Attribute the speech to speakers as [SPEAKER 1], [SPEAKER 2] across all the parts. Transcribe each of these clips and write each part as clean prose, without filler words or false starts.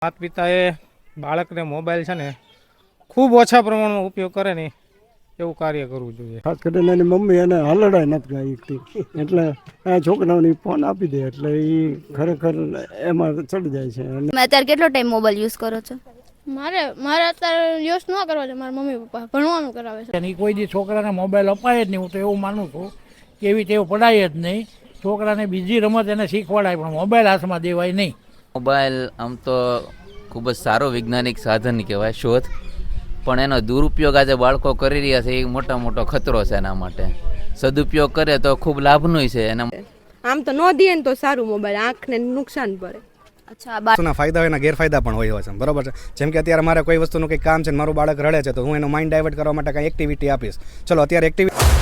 [SPEAKER 1] માતા પિતાએ બાળકને મોબાઈલ છે ને ખૂબ ઓછા પ્રમાણમાં ઉપયોગ કરે ને એવું કાર્ય કરવું જોઈએ.
[SPEAKER 2] ખાસ કરીને એની મમ્મી એને હલડાય નથી ગાઈ એટલે આ છોકરાઓને ફોન આપી દે એટલે એ ખરેખર એમાં ચડી જાય છે.
[SPEAKER 3] તમે અત્યારે કેટલો ટાઈમ મોબાઈલ યુઝ કરો છો?
[SPEAKER 4] મારે અત્યારે યુઝ ન કરવા છે. મારા મમ્મી પપ્પા ભણવાનું કરાવે છે.
[SPEAKER 5] અને કોઈ દી છોકરાને મોબાઈલ અપાય જ નહીં. હું તો એવું માનું છું કે એવી ટેવ પડાય જ નહીં. છોકરાને બીજી રમત એને શીખવાડાય પણ મોબાઈલ હાથમાં દેવાય નહીં.
[SPEAKER 6] મોબાઈલ આમ તો ખૂબ જ સારો વૈજ્ઞાનિક સાધન કહેવાય, શોધ, પણ એનો દુરુપયોગ આજે બાળકો કરી રહ્યા છે એ મોટો ખતરો છે એના માટે. સદુપયોગ કરે તો ખૂબ લાભનું છે એના.
[SPEAKER 7] આમ તો ન દે ને તો સારું, મોબાઈલ આંખને નુકસાન પડે.
[SPEAKER 8] વસ્તુના ફાયદા હોય એના ગેરફાયદા પણ હોય છે, બરોબર છે. જેમ કે અત્યારે મારે કોઈ વસ્તુનું કંઈક કામ છે, મારું બાળક રડે છે, તો હું એનો માઇન્ડ ડાયવર્ટ કરવા માટે કંઈ એક્ટિવિટી આપીશ. ચલો અત્યારે એક્ટિવિટી.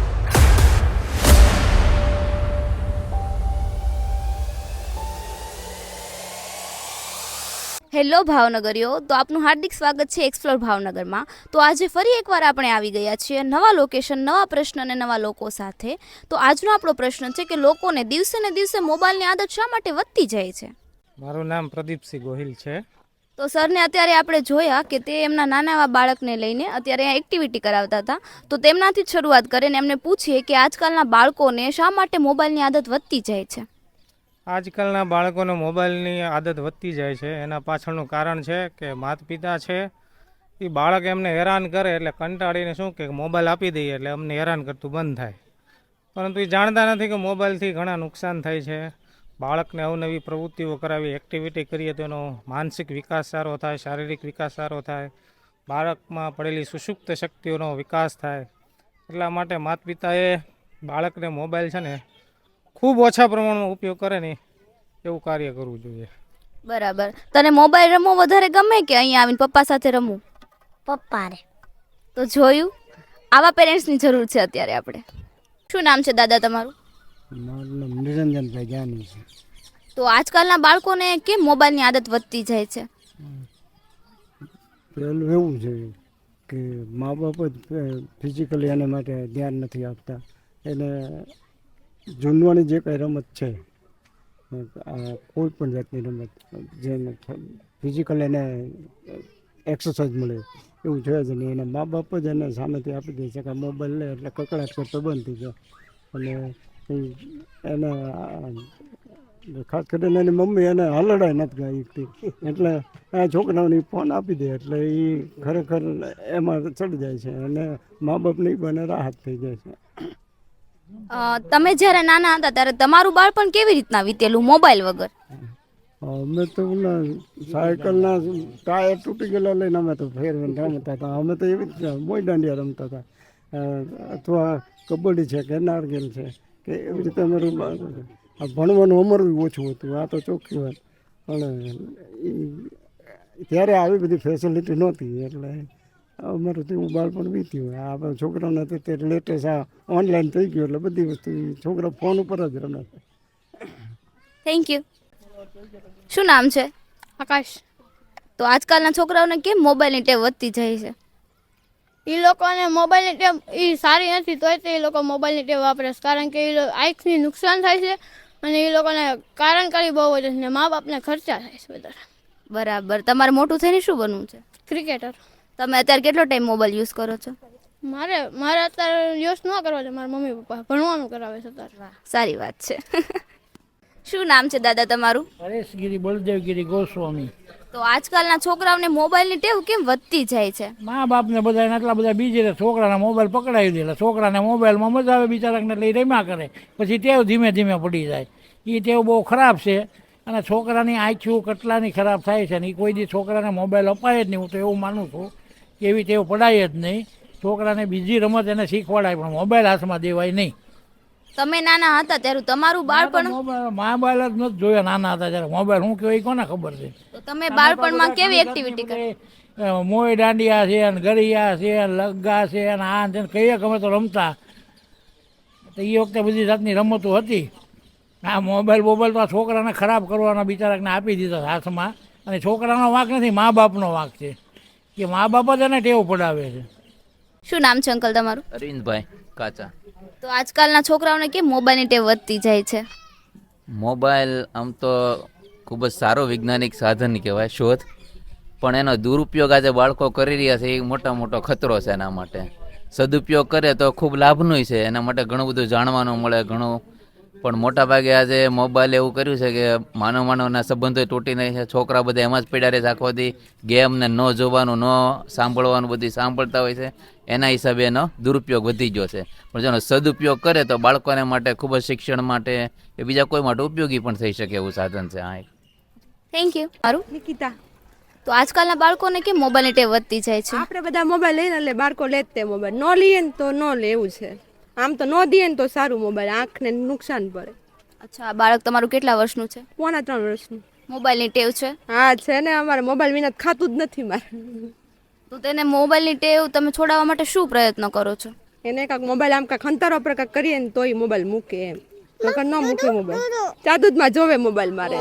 [SPEAKER 3] હેલો ભાવનગરીઓ, તો આપનું હાર્દિક સ્વાગત છે એક્સપ્લોર ભાવનગરમાં. તો આજે ફરી એકવાર આપણે આવી ગયા છીએ નવા લોકેશન, નવા પ્રશ્ન અને નવા લોકો સાથે. તો આજનો આપણો પ્રશ્ન છે કે લોકોને દિવસે ને દિવસે મોબાઈલની આદત શા માટે વધતી જાય છે?
[SPEAKER 1] મારું નામ પ્રદીપસિંહ ગોહિલ છે.
[SPEAKER 3] તો સરને અત્યારે આપણે જોયા કે તે એમના નાના એવા બાળકને લઈને અત્યારે અહીંયા એક્ટિવિટી કરાવતા હતા. તો તેમનાથી જ શરૂઆત કરીને એમને પૂછીએ કે આજકાલના બાળકોને શા માટે મોબાઈલની આદત વધતી જાય છે.
[SPEAKER 1] આજકાલના બાળકોને મોબાઈલની આદત વધતી જાય છે એના પાછળનું કારણ છે કે માતા પિતા છે એ બાળક એમને હેરાન કરે એટલે કંટાળીને શું કે મોબાઈલ આપી દઈએ એટલે અમને હેરાન કરતું બંધ થાય. પરંતુ એ જાણતા નથી કે મોબાઈલથી ઘણા નુકસાન થાય છે. બાળકને અવનવી પ્રવૃત્તિઓ કરાવી, એક્ટિવિટી કરીએ તો એનો માનસિક વિકાસ સારો થાય, શારીરિક વિકાસ સારો થાય, બાળકમાં પડેલી સુષુપ્ત શક્તિઓનો વિકાસ થાય. એટલા માટે માતા પિતાએ બાળકને મોબાઈલ છે ને ખૂબ ઓછા પ્રમાણમાં ઉપયોગ કરે ને એવું કાર્ય કરવું જોઈએ.
[SPEAKER 3] બરાબર. તને મોબાઈલ રમવો વધારે ગમે કે અહીંયા આવીને પપ્પા સાથે રમવું?
[SPEAKER 9] પપ્પાને.
[SPEAKER 3] તો જોયું, આવા પેરેન્ટ્સની જરૂર છે અત્યારે આપણે. શું નામ છે દાદા તમારું?
[SPEAKER 2] મારું નામ નિરંજનભાઈ જાની છે.
[SPEAKER 3] તો આજકાલના બાળકોને કેમ મોબાઈલની આદત વધતી જાય છે?
[SPEAKER 2] પેલું એવું છે કે મા બાપ જ ફિઝિકલી એના માટે ધ્યાન નથી આપતા. એને જૂનવાની જે કંઈ રમત છે, કોઈ પણ જાતની રમત જેને ફિઝિકલ એને એક્સરસાઇઝ મળે એવું છે જ નહીં. એના મા બાપ જ એને સામેથી આપી દે છે કે મોબાઈલ લે એટલે કકડાટ કરતો બંધ થઈ જાય. અને એને ખાસ કરીને એની મમ્મી એને હલડાય નથી ગાઈ એટલે આ છોકરાઓને ફોન આપી દે એટલે એ ખરેખર એમાં ચડી જાય છે અને મા બાપની બને રાહત થઈ જાય છે.
[SPEAKER 3] તમે જ્યારે નાના હતા ત્યારે તમારું બાળપણ કેવી રીતના વીતેલું મોબાઈલ વગર?
[SPEAKER 2] અમે તો સાયકલના ટાયર તૂટી ગયેલા લઈને અમે તો ફેરવીને રમતા હતા. અમે તો એવી જ મોઈ દાંડિયા રમતા હતા, અથવા કબડ્ડી છે કે નારગેલ છે કે એવી રીતે અમારું ભણવાનું અમારું ઓછું હતું. આ તો ચોખ્ખી વાત. પણ ત્યારે આવી બધી ફેસિલિટી નહોતી એટલે અમારું તેવું બાળપણ વીત્યું. આ છોકરાઓને અત્યારે લેટેસ્ટ આ ઓનલાઈન થઈ ગયું એટલે બધી વસ્તુ છોકરા ફોન ઉપર જ રમે.
[SPEAKER 3] Thank you. શું નામ છે?
[SPEAKER 4] આકાશ.
[SPEAKER 3] તો આજકાલના છોકરાઓને કેમ મોબાઈલની ટેવ વધતી જાય છે?
[SPEAKER 4] એ લોકોને મોબાઈલની ટેવ એ સારી નથી તોય તે એ લોકો મોબાઈલની ટેવ વાપરે છે, કારણ કે એ આંખની નુકસાન થાય છે અને એ લોકોને કારણ કરી બહુ વધે છે ને મા બાપને ખર્ચા થાય છે વધારે.
[SPEAKER 3] બરાબર. તમારે મોટું થઈને શું બનવું છે?
[SPEAKER 4] ક્રિકેટર.
[SPEAKER 3] તમે અત્યારે કેટલો ટાઈમ મોબાઈલ યુઝ કરો છો?
[SPEAKER 4] મારે અત્યારે યુઝ ન કરવા છે. મારા મમ્મી પપ્પા ભણવાનું કરાવે છે અત્યારે.
[SPEAKER 3] સારી વાત છે. શું નામ છે દાદા તમારું?
[SPEAKER 5] પરેશગીરી બળદેવગીરી ગોસ્વામી.
[SPEAKER 3] તો આજકાલના છોકરાઓને મોબાઈલની ટેવ કેમ વધતી જાય છે?
[SPEAKER 5] મા બાપને બધા આટલા બધા બીજી રહે, છોકરાને મોબાઈલ પકડાવી દે. છોકરાને મોબાઈલમાં મજા આવે, બિચારાને લઈ રમ્યા કરે, પછી ટેવ ધીમે ધીમે પડી જાય. એ ટેવ બહુ ખરાબ છે અને છોકરાની આંખો કેટલાની ખરાબ થાય છે ને એ કોઈ દી છોકરાને મોબાઈલ અપાય જ નહીં. હું તો એવું માનું છું કે એવી ટેવ પડાય જ નહીં. છોકરાને બીજી રમત એને શીખવાડાય પણ મોબાઈલ હાથમાં દેવાય નહીં.
[SPEAKER 3] તમે નાના હતા ત્યારે તમારું બાળપણ?
[SPEAKER 5] મોબાઈલ જ નથી જોયા નાના હતા ત્યારે. મોબાઈલ શું કહેવાય કોને ખબર છે?
[SPEAKER 3] તો તમે બાળપણમાં કેવી એક્ટિવિટી કરી?
[SPEAKER 5] મોય દાંડિયા છે ને ગરિયા છે ને લગ્ગા છે ને આ છે કહીએ અમે તો રમતા. તો એ વખતે બધી જાતની રમતો હતી. આ મોબાઈલ તો આ છોકરાને ખરાબ કરવાના બિચારાને આપી દીધા હાથમાં. અને છોકરાનો વાંક નથી, મા બાપનો વાંક છે કે મા બાપ જ એને ટેવ પડાવે છે.
[SPEAKER 3] શું નામ છે અંકલ તમારું?
[SPEAKER 6] અરવિંદભાઈ કાચા.
[SPEAKER 3] તો આજકાલના છોકરાઓને કેમ મોબાઈલની ટેવ વધતી જાય છે?
[SPEAKER 6] મોબાઈલ આમ તો ખૂબ જ સારો વૈજ્ઞાનિક સાધન કહેવાય શોધ, પણ એનો દુરુપયોગ આજે બાળકો કરી રહ્યા છે એ મોટો ખતરો છે એના માટે. સદુપયોગ કરે તો ખૂબ લાભનું છે, એના માટે ઘણું બધું જાણવાનું મળે ઘણું, પણ મોટા ભાગે આજે મોબાઈલ એવું કર્યું છે કે માનવના સંબંધો તૂટી નહીં છે. છોકરા બધા એમાં જ પડ્યા રહે છે આખો દી, ગેમને ન જોવાનું ન સાંભળવાનું બધું સાંભળતા હોય છે, એના હિસાબે એનો દુરુપયોગ વધી ગયો છે. પણ જેનો સદુપયોગ કરે તો બાળકોને માટે ખૂબ જ શિક્ષણ માટે કે બીજા કોઈ માટે ઉપયોગી પણ થઈ શકે એવું સાધન છે. હા,
[SPEAKER 3] થેન્ક યુ. મારું
[SPEAKER 7] નિકિતા,
[SPEAKER 3] તો આજકાલના બાળકોને કેમ મોબાઈલની ટેવ વધતી જાય છે?
[SPEAKER 7] આપણે બધા મોબાઈલ લઈને એટલે બાળકો લે જ તે મોબાઈલ, ન લઈએ ને તો ન લે એવું છે. આમ તો ન દઈએ ને તો સારું, મોબાઈલ આંખને નુકસાન પડે.
[SPEAKER 3] અચ્છા, આ બાળક તમારું કેટલા વર્ષનું છે?
[SPEAKER 7] 3.5 વર્ષનું.
[SPEAKER 3] મોબાઈલની ટેવ છે?
[SPEAKER 7] હા છે ને, અમારે મોબાઈલ વિના ખાતું જ નથી મારે.
[SPEAKER 3] તો તેને મોબાઈલની ટેવ તમે છોડાવવા માટે શું પ્રયત્ન કરો છો?
[SPEAKER 7] એને કાંઈક મોબાઈલ આમ કાંઈક અંતરો પર કાંઈક કરીએ ને તોય મોબાઈલ મૂકે એમ, તો ન મૂકે મોબાઈલ, ચાદુદમાં જોવે મોબાઈલ મારે.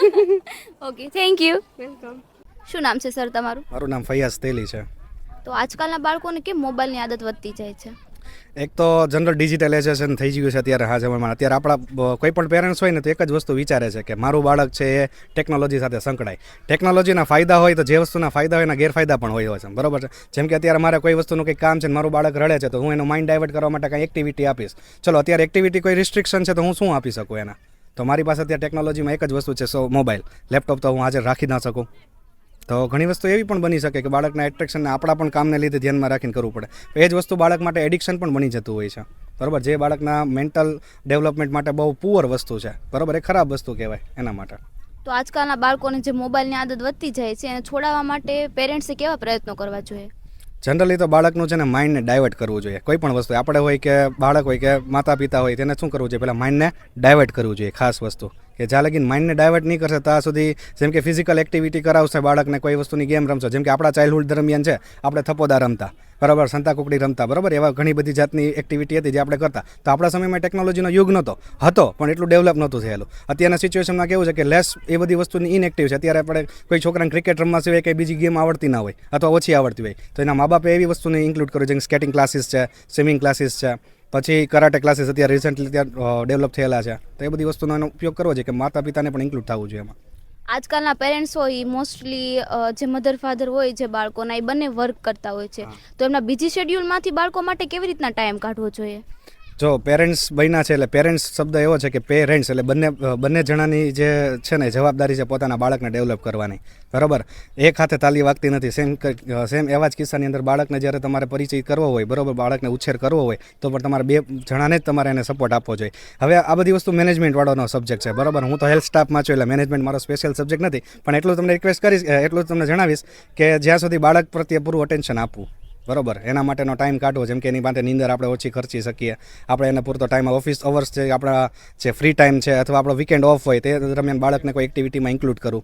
[SPEAKER 3] Okay, thank you.
[SPEAKER 7] વેલકમ.
[SPEAKER 3] શું નામ છે સર તમારું?
[SPEAKER 8] મારું નામ ફૈયાઝ તેલી છે.
[SPEAKER 3] તો આજકાલના બાળકોને કેમ મોબાઈલની આદત વધતી જાય છે?
[SPEAKER 8] એક તો જનરલ ડિજિટલાઇઝેશન થઈ ગયું છે અત્યારે હા જમાનામાં. અત્યારે આપણા કોઈ પણ પેરેન્ટ્સ હોય ને તો એક જ વસ્તુ વિચારે છે કે મારું બાળક છે એ ટેકનોલોજી સાથે સંકળાય. ટેકનોલોજીના ફાયદા હોય તો જે વસ્તુના ફાયદા હોય એના ગેરફાયદા પણ હોય છે, બરોબર છે. જેમ કે અત્યારે મારે કોઈ વસ્તુનું કંઈક કામ છે ને મારું બાળક રડે છે તો હું એનું માઇન્ડ ડાયવર્ટ કરવા માટે કાંઈ એક્ટિવિટી આપીશ. ચલો અત્યારે એક્ટિવિટી કોઈ રિસ્ટ્રિક્શન છે તો હું શું આપી શકું એના? તો મારી પાસે અત્યારે ટેકનોલોજીમાં એક જ વસ્તુ છે, મોબાઈલ. લેપટોપ તો હું હાજર રાખી ના શકું. તો ઘણી વસ્તુ એવી પણ બની શકે કે બાળકના એટ્રેક્શનને આપણા પણ કામને લીધે ધ્યાનમાં રાખીને કરવું પડે. એ જ વસ્તુ બાળક માટે એડિક્શન પણ બની જતું હોય છે, બરાબર. જે બાળકના મેન્ટલ ડેવલપમેન્ટ માટે બહુ પુઅર વસ્તુ છે, બરાબર, એ ખરાબ વસ્તુ કહેવાય એના માટે.
[SPEAKER 3] તો આજકાલના બાળકોને જે મોબાઈલની આદત વધતી જાય છે એને છોડાવવા માટે પેરેન્ટ્સે કેવા પ્રયત્નો કરવા જોઈએ?
[SPEAKER 8] જનરલી તો બાળકનું છે ને માઇન્ડને ડાયવર્ટ કરવું જોઈએ. કોઈ પણ વસ્તુ આપણે હોય કે બાળક હોય કે માતા પિતા હોય તેને શું કરવું જોઈએ? પહેલાં માઇન્ડને ડાયવર્ટ કરવું જોઈએ. ખાસ વસ્તુ કે જ્યાં લગીને માઇન્ડને ડાયવર્ટ નહીં કરશે ત્યાં સુધી, જેમ કે ફિઝિકલ એક્ટિવિટી કરાવશે બાળકને, કોઈ વસ્તુની ગેમ રમશો, જેમ કે આપણા ચાઇલ્ડહુડ દરમિયાન છે આપણે થપોદા રમતા, બરાબર, સંતાકુકડી રમતા, બરાબર, એવા ઘણી બધી જાતની એક્ટિવિટી હતી જે આપણે કરતા. તો આપણા સમયમાં ટેકનોલોજીનો યુગ હતો પણ એટલું ડેવલપ નહોતું થયેલું. અત્યારના સિચ્યુએશનમાં કેવું છે કે લેસ એ બધી વસ્તુની ઇનએક્ટિવ છે. અત્યારે આપણે કોઈ છોકરાને ક્રિકેટ રમવા સિવાય કંઈ બીજી ગેમ આવડતી ના હોય અથવા ઓછી આવડતી હોય તો એના મા બાપે એવી વસ્તુને ઇન્ક્લુડ કર્યું, જેમ સ્કેટિંગ ક્લાસીસ છે, સ્વિમિંગ ક્લાસીસ છે, પછી કરાટે ક્લાસીસ અત્યારે રિસન્ટલી ત્યાં ડેવલપ થયેલા છે. તો એ બધી વસ્તુનો એનો ઉપયોગ કરવો જોઈએ કે માતા પિતાને પણ ઇન્ક્લુડ થવું જોઈએ એમાં.
[SPEAKER 3] આજકાલના પેરેન્ટ્સ હોય મોસ્ટલી જે મધર ફાધર હોય જે બાળકોના, એ બંને વર્ક કરતા હોય છે, તો એમના બીજી શેડ્યુલમાંથી બાળકો માટે કેવી રીતના ટાઈમ કાઢવો જોઈએ?
[SPEAKER 8] જો પેરેન્ટ્સ બન્યા છે એટલે પેરેન્ટ્સ શબ્દ એવો છે કે પેરેન્ટ્સ એટલે બંને જણાની જે છે ને જવાબદારી છે પોતાના બાળકને ડેવલપ કરવાની, બરાબર. એક હાથે તાલી વાગતી નથી. સેમ એવા જ કિસ્સાની અંદર બાળકને જ્યારે તમારે પરિચય કરવો હોય, બરાબર, બાળકને ઉછેર કરવો હોય તો પણ તમારે બે જણાને જ તમારે એને સપોર્ટ આપવો જોઈએ. હવે આ બધી વસ્તુ મેનેજમેન્ટવાળાનો સબ્જેક્ટ છે, બરાબર. હું તો હેલ્થ સ્ટાફમાં છું એટલે મેનેજમેન્ટ મારો સ્પેશિયલ સબ્જેક્ટ નથી, પણ એટલું તમને રિક્વેસ્ટ કરીશ, એટલું તમને જણાવીશ કે જ્યાં સુધી બાળક પ્રત્યે પૂરું અટેન્શન આપવું, બરાબર, એના માટેનો ટાઈમ કાઢવો. જેમ કે એની માટે નીંદર આપણે ઓછી ખર્ચી શકીએ, આપણે એને પૂરતો ટાઈમ, ઓફિસ અવર્સ છે, આપણા જે ફ્રી ટાઈમ છે અથવા આપણો વીકેન્ડ ઓફ હોય તે દરમિયાન બાળકને કોઈ એક્ટિવિટીમાં ઇન્ક્લુડ કરવું.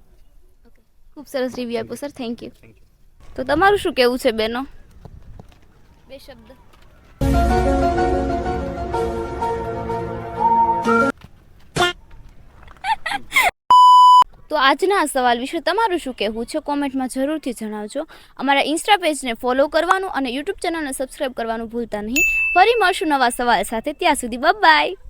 [SPEAKER 3] ખૂબ સરસ રિવ્યુ આપ્યો સર, થેન્ક યુ. તો તમારું શું કહેવું છે બેનો? બે શબ્દ. તો આજના આ સવાલ વિશે તમારું શું કહેવું છે કોમેન્ટમાં જરૂરથી જણાવજો. અમારા ઇન્સ્ટા પેજને ફોલો કરવાનું અને યુટ્યુબ ચેનલને સબસ્ક્રાઈબ કરવાનું ભૂલતા નહીં. ફરી મળશું નવા સવાલ સાથે, ત્યાં સુધી બાય બાય.